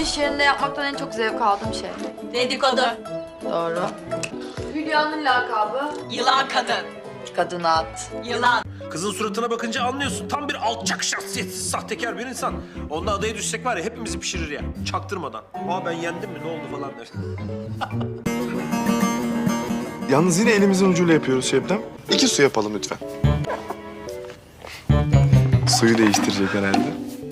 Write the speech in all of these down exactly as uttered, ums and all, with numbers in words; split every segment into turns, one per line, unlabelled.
iş yerinde yapmaktan en çok zevk aldığım şey.
Dedikodu.
Doğru. Hülya'nın lakabı?
Yılan kadın.
Kadın at.
Yılan.
Kızın suratına bakınca anlıyorsun. Tam bir alçak, şahsiyetsiz, sahtekar bir insan. Onunla adaya düşsek var ya hepimizi pişirir ya. Çaktırmadan. Aa ben yendim mi ne oldu falan der.
Yalnız yine elimizin ucuyla yapıyoruz Şebnem. İki su yapalım lütfen. Suyu değiştirecek herhalde.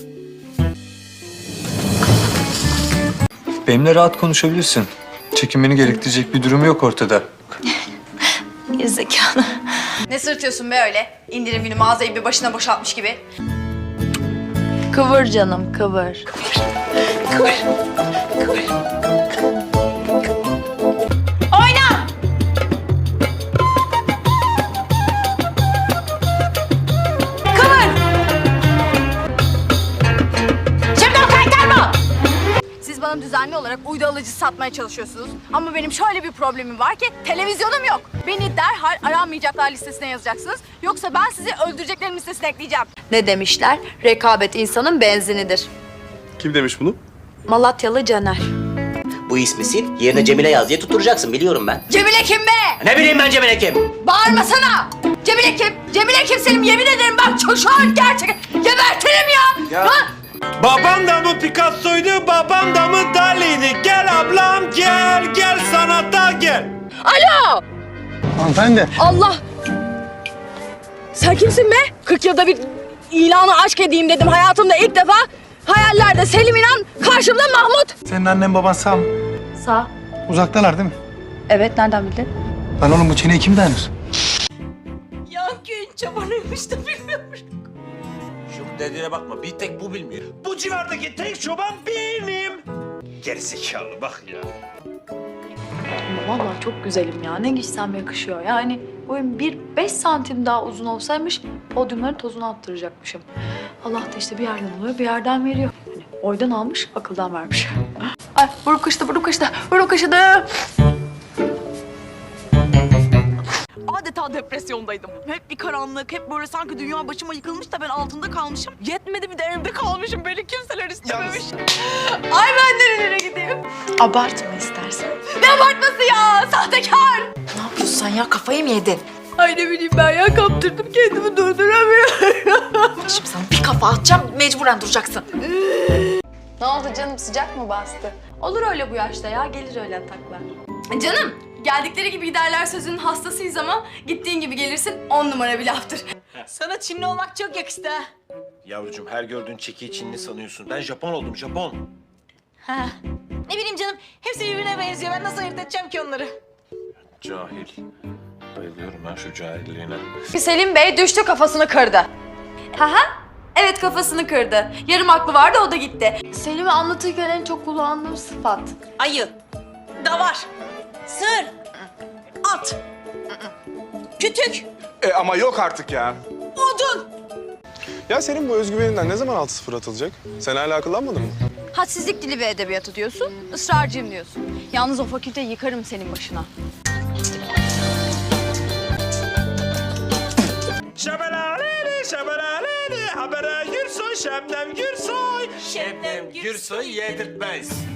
Benimle rahat konuşabilirsin. Çekinmeni gerektirecek bir durum yok ortada.
Gerizekalı.
Ne sırtıyorsun be öyle? İndirim günü mağazayı bir başına boşaltmış gibi.
Kıvır canım, kıvır.
Kıvır. Kıvır. Oyna! Kıvır! Şimdi o kaytarma!
Siz bana düzenli olarak uydu alıcı satmaya çalışıyorsunuz. Ama benim şöyle bir problemim var ki televizyonum yok. Beni derhal aranmayacaklar listesine yazacaksınız. Yoksa ben sizi öldüreceklerim listesine ekleyeceğim.
Ne demişler? Rekabet insanın benzinidir.
Kim demiş bunu?
Malatyalı Caner.
Bu ismi sil, yerine Cemile yaz diye tutturacaksın biliyorum ben.
Cemile kim be?
Ne bileyim ben Cemile kim?
Bağırmasana! Cemile kim? Cemile kim senin? Yemin ederim bak çocuğu gerçekten gebertirim ya!
Ya.
Ha?
Babam da mı Picasso'ydu, babam da mı Dali'ydi? Gel ablam gel, gel sanata gel.
Alo!
Hanımefendi.
Allah! Sen kimsin be? kırk yılda bir ilanı aşk edeyim dedim hayatımda ilk defa. Hayallerde Selim İnan, karşımda Mahmut.
Senin annen baban sağ mı?
Sağ.
Uzaktalar değil mi?
Evet, nereden bildin?
Lan oğlum bu çeneye kim dayanır?
Yan köyün çobanıymış da bilmiyorum.
Şu dediğine bakma, bir tek bu bilmiyor. Bu civardaki tek çoban benim. Gerizekalı bak ya.
Ama vallahi çok güzelim ya. Ne giysem yakışıyor. Yani boyum bir beş santim daha uzun olsaymış podyumların tozunu attıracakmışım. Allah da işte bir yerden alıyor, bir yerden veriyor. Hani oydan almış, akıldan vermiş. Ay burun kaşıdı, burun kaşıdı, burun kaşıdı.
Adeta depresyondaydım. Hep bir karanlık, hep böyle sanki dünya başıma yıkılmış da ben altında kalmışım. Yetmedi bir de evde kalmışım. Beni kimseler istememiş.
Ay ben nerelere gideyim?
Abartma istersen.
Ne abartması ya? Sahtekar!
Ne yapıyorsun sen ya? Kafayı mı yedin?
Ay ne bileyim ben ya kaptırdım kendimi durduramıyorum.
Şimdi sana bir kafa atacağım, mecburen duracaksın. Ne oldu canım, sıcak mı bastı?
Olur öyle bu yaşta ya, gelir öyle ataklar. Canım, geldikleri gibi giderler sözünün hastasıyız ama gittiğin gibi gelirsin on numara bir laftır.
Sana Çinli olmak çok yakıştı ha.
Yavrucuğum her gördüğün çekiyi Çinli sanıyorsun. Ben Japon oldum, Japon.
Ha. Ne bileyim canım, hepsi birbirine benziyor. Ben nasıl ayırt edeceğim ki onları?
Cahil. Bayılıyorum ben şu cahilliğine.
Selim Bey düştü kafasını kırdı. Haha, evet kafasını kırdı. Yarım aklı vardı o da gitti.
Selim'i anlatırken en çok kullandığım sıfat.
Ayı, davar, sığır, at, kütük,
E ama yok artık ya.
odun.
Ya senin bu özgüveninden ne zaman altı sıfır atılacak? Sen hala akıllanmadın mı?
Hadsizlik dili ve edebiyatı diyorsun, ısrarcıyım diyorsun. Yalnız o fakülteyi yıkarım senin başına.
Şabalaleli, şabalaleli, habere Gürsoy, Şebnem Gürsoy.
Şebnem
Gürsoy yedirtmez.